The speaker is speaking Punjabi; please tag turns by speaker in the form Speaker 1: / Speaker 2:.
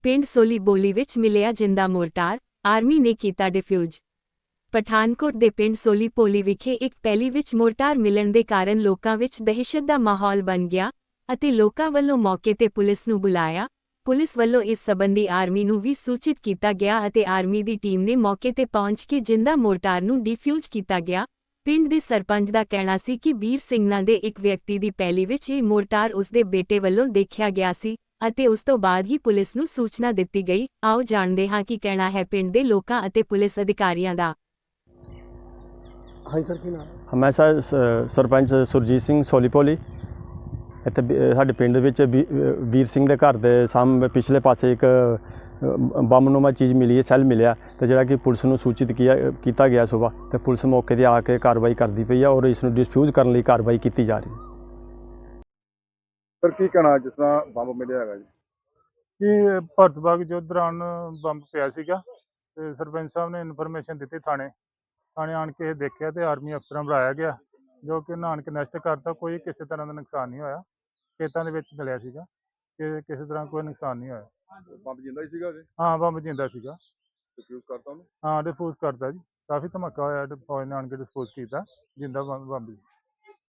Speaker 1: ਪਿੰਡ ਸੋਲੀ ਬੋਲੀ ਵਿੱਚ ਮਿਲਿਆ ਜਿੰਦਾ ਮੋਰਟਾਰ, ਆਰਮੀ ਨੇ ਕੀਤਾ ਡਿਫਿਊਜ਼। ਪਠਾਨਕੋਟ ਦੇ ਪਿੰਡ ਸੋਲੀ ਪੋਲੀ ਵਿਖੇ ਇੱਕ ਪੈਲੀ ਵਿੱਚ ਮੋਰਟਾਰ ਮਿਲਣ ਦੇ ਕਾਰਨ ਲੋਕਾਂ ਵਿੱਚ ਦਹਿਸ਼ਤ ਦਾ ਮਾਹੌਲ ਬਣ ਗਿਆ ਅਤੇ ਲੋਕਾਂ ਵੱਲੋਂ ਮੌਕੇ ਤੇ ਪੁਲਿਸ ਨੂੰ ਬੁਲਾਇਆ। ਪੁਲਿਸ ਵੱਲੋਂ ਇਸ ਸੰਬੰਧੀ ਆਰਮੀ ਨੂੰ ਵੀ ਸੂਚਿਤ ਕੀਤਾ ਗਿਆ ਅਤੇ ਆਰਮੀ ਦੀ ਟੀਮ ਨੇ ਮੌਕੇ ਤੇ ਪਹੁੰਚ ਕੇ ਜਿੰਦਾ ਮੋਰਟਾਰ ਨੂੰ ਡਿਫਿਊਜ਼ ਕੀਤਾ ਗਿਆ। ਪਿੰਡ ਦੇ ਸਰਪੰਚ ਦਾ ਕਹਿਣਾ ਸੀ ਕਿ ਵੀਰ ਸਿੰਘ ਨਾਂ ਦੇ ਇੱਕ ਵਿਅਕਤੀ ਦੀ ਪੈਲੀ ਵਿੱਚ ਇਹ ਮੋਰਟਾਰ ਉਸਦੇ ਬੇਟੇ ਵੱਲੋਂ ਦੇਖਿਆ ਗਿਆ ਸੀ ਅਤੇ ਉਸ ਤੋਂ ਬਾਅਦ ਹੀ ਪੁਲਿਸ ਨੂੰ ਸੂਚਨਾ ਦਿੱਤੀ ਗਈ। ਆਓ ਜਾਣਦੇ ਹਾਂ ਕੀ ਕਹਿਣਾ ਹੈ ਪਿੰਡ ਦੇ ਲੋਕਾਂ ਅਤੇ ਪੁਲਿਸ ਅਧਿਕਾਰੀਆਂ ਦਾ।
Speaker 2: ਹਾਂਜੀ ਸਰ, ਕੀ ਨਾਮ?
Speaker 3: ਮੈਂ ਸਰਪੰਚ ਸੁਰਜੀਤ ਸਿੰਘ ਸੋਲੀਪੋਲੀ। ਇੱਥੇ ਸਾਡੇ ਪਿੰਡ ਵਿੱਚ ਵੀਰ ਸਿੰਘ ਦੇ ਘਰ ਦੇ ਸਾਹਮਣੇ ਪਿਛਲੇ ਪਾਸੇ ਇੱਕ ਬੰਬਨੁਮਾ ਚੀਜ਼ ਮਿਲੀ ਹੈ, ਸੈੱਲ ਮਿਲਿਆ, ਤੇ ਜਿਹੜਾ ਕਿ ਪੁਲਿਸ ਨੂੰ ਸੂਚਿਤ ਕੀਤਾ ਗਿਆ ਸੁਬਾਹ, ਤੇ ਪੁਲਿਸ ਮੌਕੇ 'ਤੇ ਆ ਕੇ ਕਾਰਵਾਈ ਕਰਦੀ ਪਈ ਹੈ ਔਰ ਇਸ ਨੂੰ ਡਿਸਫਿਊਜ਼ ਕਰਨ ਲਈ ਕਾਰਵਾਈ ਕੀਤੀ ਜਾ ਰਹੀ ਹੈ।
Speaker 2: ਸਰ ਕੀ ਕਹਿਣਾ ਜਿਸ ਤਰ੍ਹਾਂ ਬੰਬ ਮਿਲਿਆ ਹੈਗਾ ਜੀ?
Speaker 4: ਕਿ ਭਾਰਤ ਬਾਗ ਯੁੱਧ ਦੌਰਾਨ ਬੰਬ ਪਿਆ ਸੀਗਾ ਤੇ ਸਰਪੰਚ ਸਾਹਿਬ ਨੇ ਇਨਫੋਰਮੇਸ਼ਨ ਦਿੱਤੀ ਥਾਣੇ ਆਣ ਕੇ ਦੇਖਿਆ ਤੇ ਆਰਮੀ ਅਫਸਰਾਂ ਬੁਲਾਇਆ ਗਿਆ, ਜੋ ਕਿ ਨਾਨ ਕੇ ਨਸ਼ਟ ਕਰਤਾ। ਕੋਈ ਕਿਸੇ ਤਰ੍ਹਾਂ ਦਾ ਨੁਕਸਾਨ ਨਹੀਂ ਹੋਇਆ। ਖੇਤਾਂ ਦੇ ਵਿੱਚ ਮਿਲਿਆ ਸੀਗਾ ਕਿ ਕਿਸੇ ਤਰ੍ਹਾਂ ਕੋਈ ਨੁਕਸਾਨ ਨਹੀਂ ਹੋਇਆ।
Speaker 2: ਬੰਬ ਜਿੰਦਾ ਹੀ ਸੀਗਾ ਜੀ?
Speaker 4: ਹਾਂ, ਬੰਬ ਜਿੰਦਾ ਸੀਗਾ।
Speaker 2: ਡਿਫਿਊਜ਼ ਕਰਤਾ ਉਹਨੂੰ?
Speaker 4: ਹਾਂ, ਡਿਸਪੋਜ਼ ਕਰਤਾ ਜੀ। ਕਾਫੀ ਧਮਾਕਾ ਹੋਇਆ, ਫੌਜ ਨੇ ਆਣ ਕੇ ਡਿਸਪੋਜ਼ ਕੀਤਾ ਜਿੰਦਾ ਬੰਬ ਜੀ।